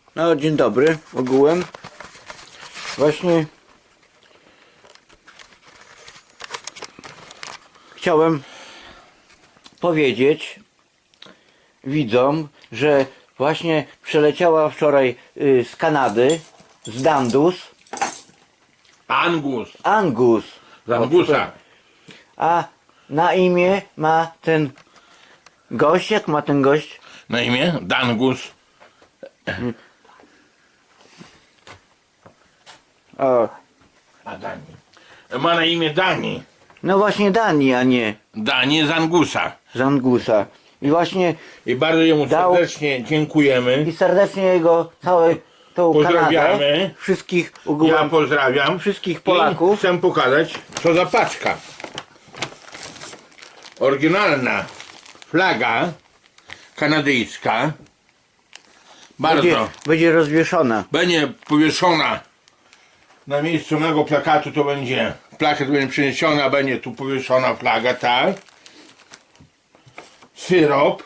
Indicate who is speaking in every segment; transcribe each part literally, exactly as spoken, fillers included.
Speaker 1: No, dzień dobry, ogółem. Właśnie chciałem powiedzieć widzom, że właśnie przeleciała wczoraj y, z Kanady, z Dandus,
Speaker 2: Angus.
Speaker 1: Angus.
Speaker 2: Z Angusa.
Speaker 1: A na imię ma ten gość, jak ma ten gość?
Speaker 2: Na imię? Dangus.
Speaker 1: O,
Speaker 2: A Dani. Ma na imię Dani.
Speaker 1: no właśnie Dani, a nie
Speaker 2: Dani z Angusa.
Speaker 1: z Angusa. I właśnie
Speaker 2: I bardzo jemu
Speaker 1: Dał-
Speaker 2: serdecznie dziękujemy.
Speaker 1: i serdecznie jego całe tą
Speaker 2: Pozdrawiamy.
Speaker 1: Kanadę, wszystkich
Speaker 2: Ja
Speaker 1: ogółem,
Speaker 2: pozdrawiam
Speaker 1: wszystkich Polaków.
Speaker 2: I chcę pokazać, co za paczka. Oryginalna flaga kanadyjska. Bardzo.
Speaker 1: będzie, będzie rozwieszona.
Speaker 2: Będzie powieszona na miejscu mego plakatu, to będzie plakat będzie przeniesiony, będzie tu powieszona flaga, tak. Syrop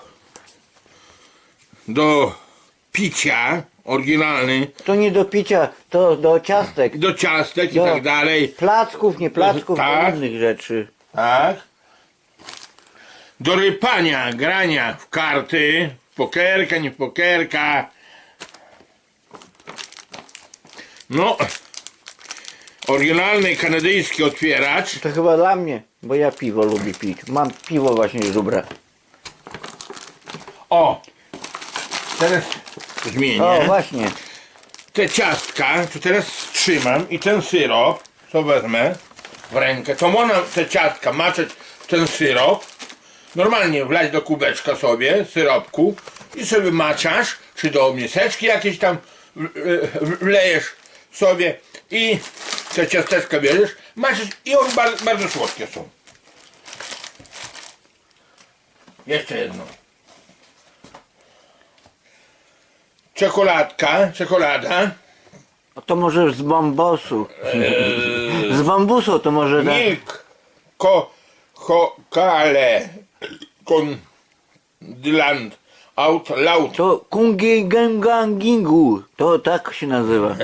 Speaker 2: do picia oryginalny,
Speaker 1: To nie do picia, to do ciastek,
Speaker 2: do ciastek i
Speaker 1: Do-
Speaker 2: tak dalej,
Speaker 1: placków, nie placków,
Speaker 2: Tak.
Speaker 1: do innych rzeczy.
Speaker 2: tak. Do rypania, grania w karty, w pokerka, nie w pokerka. No, oryginalny kanadyjski otwieracz.
Speaker 1: To chyba dla mnie, bo ja piwo lubię pić. Mam piwo właśnie z żubra.
Speaker 2: O! Teraz zmienię.
Speaker 1: O, właśnie.
Speaker 2: Te ciastka, to teraz trzymam i ten syrop, co wezmę w rękę, to można te ciastka maczać w ten syrop, normalnie wlać do kubeczka sobie, syropku i sobie maczasz, czy do miseczki jakieś tam w- w- wlejesz sobie i te ciasteczka bierzesz, maczasz i one bardzo, bardzo słodkie są. Jeszcze jedno. Czekoladka, czekolada.
Speaker 1: No to może z bambusu. Z bambusu to może da.
Speaker 2: Milk, ko, ko, kale, kon, dyland, out loud.
Speaker 1: To kungigangingu. To tak się nazywa.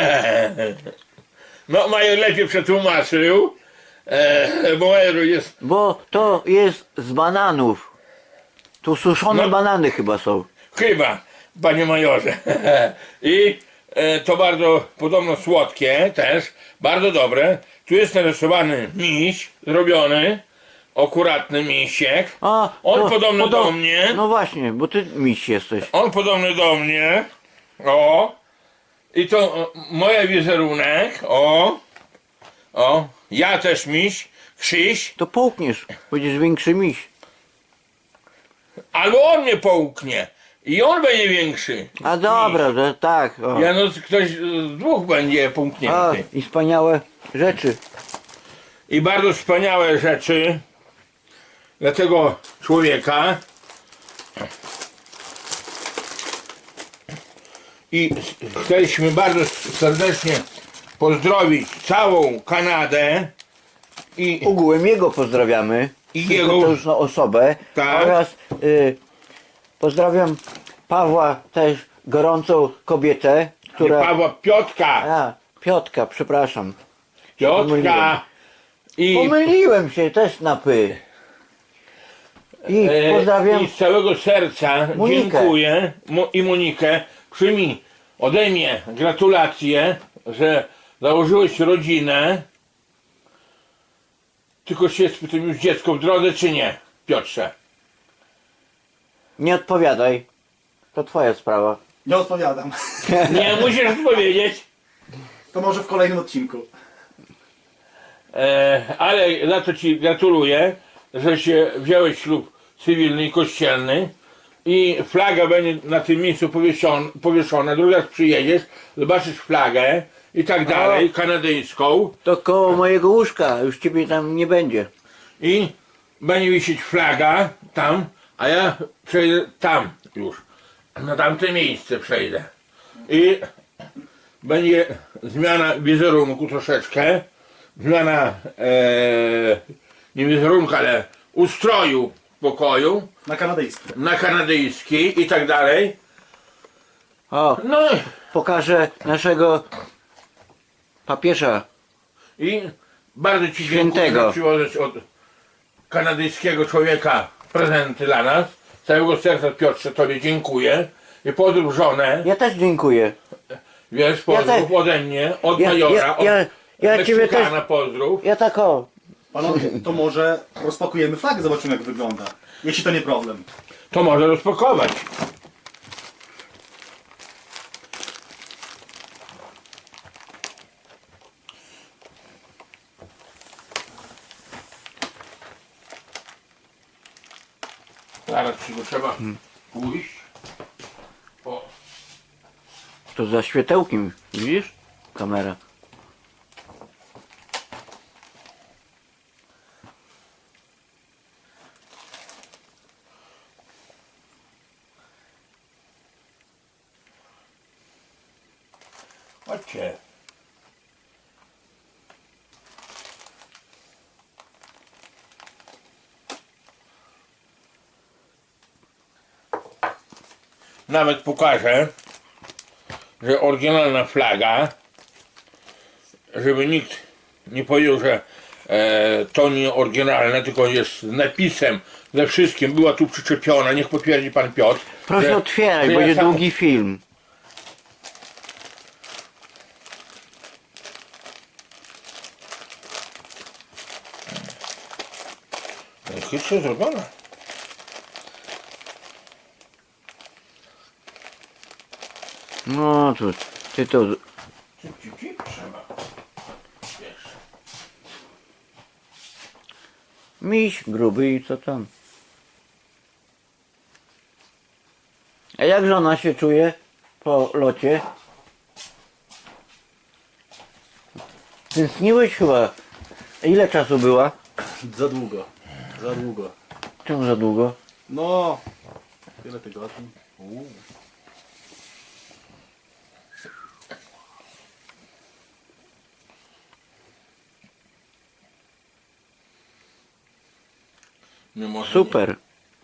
Speaker 2: No, Major lepiej przetłumaczył, e, bo Major jest,
Speaker 1: Bo to jest z bananów. Tu suszone
Speaker 2: No.
Speaker 1: banany chyba są.
Speaker 2: chyba, panie Majorze. I e, to bardzo podobno słodkie też, bardzo dobre. Tu jest narysowany miś, zrobiony, akuratny misiek.
Speaker 1: A,
Speaker 2: On
Speaker 1: to
Speaker 2: podobny
Speaker 1: podo-
Speaker 2: do mnie.
Speaker 1: No właśnie, bo ty miś jesteś.
Speaker 2: On podobny do mnie. O. I to o, moja wizerunek. O. O. Ja też miś. Krzyś.
Speaker 1: To połkniesz, będziesz większy miś.
Speaker 2: Albo on mnie połknie. I on będzie większy.
Speaker 1: A dobra, że tak. O.
Speaker 2: Ja no ktoś z dwóch będzie
Speaker 1: A,
Speaker 2: połknięty.
Speaker 1: i wspaniałe rzeczy.
Speaker 2: I bardzo wspaniałe rzeczy dla tego człowieka. I chcieliśmy bardzo serdecznie pozdrowić całą Kanadę i
Speaker 1: Ogółem jego pozdrawiamy.
Speaker 2: I
Speaker 1: Tylko
Speaker 2: jego-
Speaker 1: to już na osobę.
Speaker 2: Tak.
Speaker 1: Oraz y, pozdrawiam Pawła też gorącą kobietę, która.
Speaker 2: Pawła Piotka.
Speaker 1: A, Piotka, przepraszam.
Speaker 2: Piotka i,
Speaker 1: Pomyliłem się też na py. I
Speaker 2: e,
Speaker 1: pozdrawiam.
Speaker 2: i z całego serca
Speaker 1: Monikę.
Speaker 2: dziękuję Mo, i Monikę. Przyjmij ode mnie gratulacje, że założyłeś rodzinę. Tylko się spytam, już dziecko w drodze czy nie, Piotrze?
Speaker 1: Nie odpowiadaj. To twoja sprawa.
Speaker 3: Nie odpowiadam.
Speaker 2: Nie musisz odpowiedzieć.
Speaker 3: To może w kolejnym odcinku.
Speaker 2: E, ale za to ci gratuluję, że się wziąłeś ślub cywilny i kościelny i flaga będzie na tym miejscu powieszona, powieszona. Drugi raz przyjedziesz, zobaczysz flagę i tak dalej, kanadyjską
Speaker 1: To koło mojego łóżka, już ciebie tam nie będzie.
Speaker 2: i będzie wisieć flaga tam, a ja przejdę tam już, na tamte miejsce przejdę i będzie zmiana wizerunku troszeczkę, zmiana e, nie wizerunku, ale ustroju pokoju
Speaker 3: Na kanadyjski.
Speaker 2: na kanadyjski i tak dalej.
Speaker 1: O,
Speaker 2: No i-
Speaker 1: pokażę naszego papieża.
Speaker 2: i bardzo Ci dziękuję,
Speaker 1: Świętego.
Speaker 2: że przywożesz od kanadyjskiego człowieka prezenty dla nas. Z całego serca, Piotrze, Tobie dziękuję. I pozdrów żonę.
Speaker 1: Ja też dziękuję.
Speaker 2: Wiesz, pozdrów
Speaker 1: Ja te-
Speaker 2: ode mnie, od
Speaker 1: Ja-
Speaker 2: Majora,
Speaker 1: ja-
Speaker 2: od
Speaker 1: ja- ja ciebie
Speaker 2: Meksykana
Speaker 1: też-
Speaker 2: pozdrów.
Speaker 1: Ja tak o.
Speaker 3: Panowie, to może rozpakujemy flagę, zobaczymy jak wygląda. Jeśli to nie problem.
Speaker 2: To może rozpakować. Zaraz ci go trzeba
Speaker 1: Hmm.
Speaker 2: pójść. O,
Speaker 1: To za światełkiem, widzisz? Kamera.
Speaker 2: chodźcie. Nawet pokażę, że oryginalna flaga, żeby nikt nie powiedział, że e, to nie oryginalne, tylko jest z napisem, ze wszystkim, była tu przyczepiona, niech potwierdzi pan Piotr.
Speaker 1: Proszę
Speaker 2: że-
Speaker 1: otwieraj,
Speaker 2: że ja
Speaker 1: będzie
Speaker 2: sam-
Speaker 1: długi film.
Speaker 2: Chytrze zrobiona.
Speaker 1: No to ty to.
Speaker 2: Cip, cip, cip, trzeba. Wiesz.
Speaker 1: Miś gruby i co tam? A jak żona się czuje po locie? Tęskniłeś chyba. Ile czasu była?
Speaker 3: Za długo. Za długo.
Speaker 1: Czemu za długo?
Speaker 3: No, wiele tygodni.
Speaker 2: Nie może
Speaker 1: Super.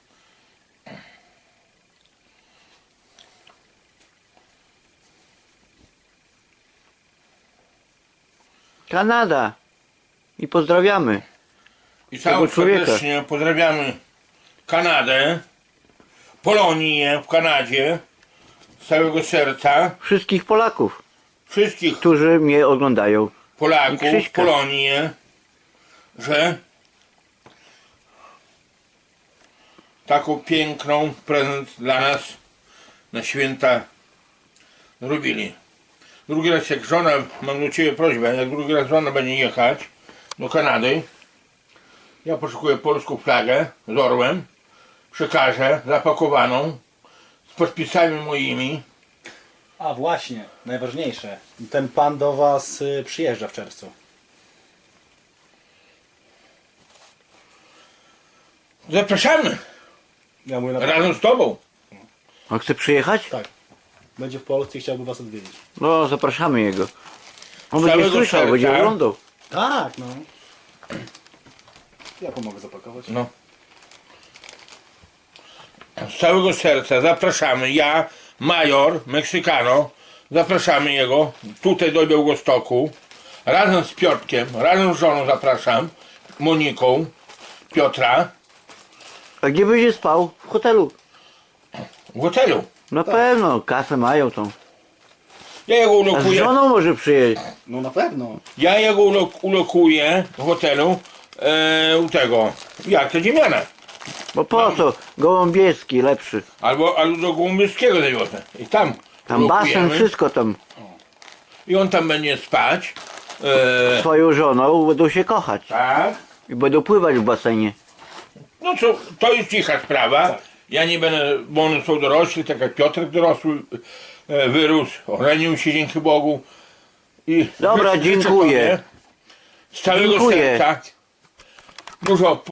Speaker 1: Kanada. I pozdrawiamy.
Speaker 2: I całe
Speaker 1: tego człowieka.
Speaker 2: serdecznie pozdrawiamy Kanadę, Polonię w Kanadzie, z całego serca,
Speaker 1: Wszystkich Polaków,
Speaker 2: wszystkich
Speaker 1: którzy mnie oglądają. I
Speaker 2: Polaków,
Speaker 1: Krzyśka.
Speaker 2: Polonię, że taką piękną prezent dla nas na święta zrobili. Drugi raz jak żona, mam do Ciebie prośbę, jak drugi raz żona będzie jechać do Kanady, ja poszukuję polską flagę z orłem, przekażę zapakowaną z podpisami moimi.
Speaker 3: A właśnie, najważniejsze. Ten pan do was y, przyjeżdża w czerwcu.
Speaker 2: Zapraszamy
Speaker 3: Ja mówię na...
Speaker 2: razem z Tobą.
Speaker 1: On chce przyjechać?
Speaker 3: Tak. Będzie w Polsce i chciałby was odwiedzić.
Speaker 1: No, zapraszamy jego. On
Speaker 2: Z
Speaker 1: będzie
Speaker 2: całego
Speaker 1: słyszał,
Speaker 2: serca.
Speaker 1: będzie oglądał.
Speaker 3: Tak, no. Ja pomogę zapakować.
Speaker 2: No. Z całego serca zapraszamy. Ja, Major, Meksykano, zapraszamy jego tutaj do Białegostoku. Razem z Piotrkiem, razem z żoną zapraszam. Moniką, Piotra
Speaker 1: A gdzie będzie spał? W hotelu.
Speaker 2: w hotelu.
Speaker 1: Na pewno, kasę mają tą.
Speaker 2: Ja jego
Speaker 1: A z
Speaker 2: ulokuję,
Speaker 1: żoną może przyjeść.
Speaker 3: No na pewno.
Speaker 2: ja jego ulok, ulokuję w hotelu e, u tego, jak to Dziemiana.
Speaker 1: Bo po co? Gołąbieski lepszy.
Speaker 2: Albo, albo do Gołębieskiego zawiozę. I tam
Speaker 1: Tam basen,
Speaker 2: ulokujemy.
Speaker 1: wszystko tam.
Speaker 2: I on tam będzie spać. E,
Speaker 1: Swoją żoną będą się kochać.
Speaker 2: tak.
Speaker 1: I będą pływać w basenie.
Speaker 2: No to, to jest cicha sprawa.
Speaker 3: Tak.
Speaker 2: Ja nie będę, bo one są dorośli, tak jak Piotrek dorosły, e, wyrósł, ożenił się dzięki Bogu. I
Speaker 1: Dobra,
Speaker 2: życzę- życzę
Speaker 1: dziękuję.
Speaker 2: Tobie z całego
Speaker 1: Dziękuję.
Speaker 2: serca dużo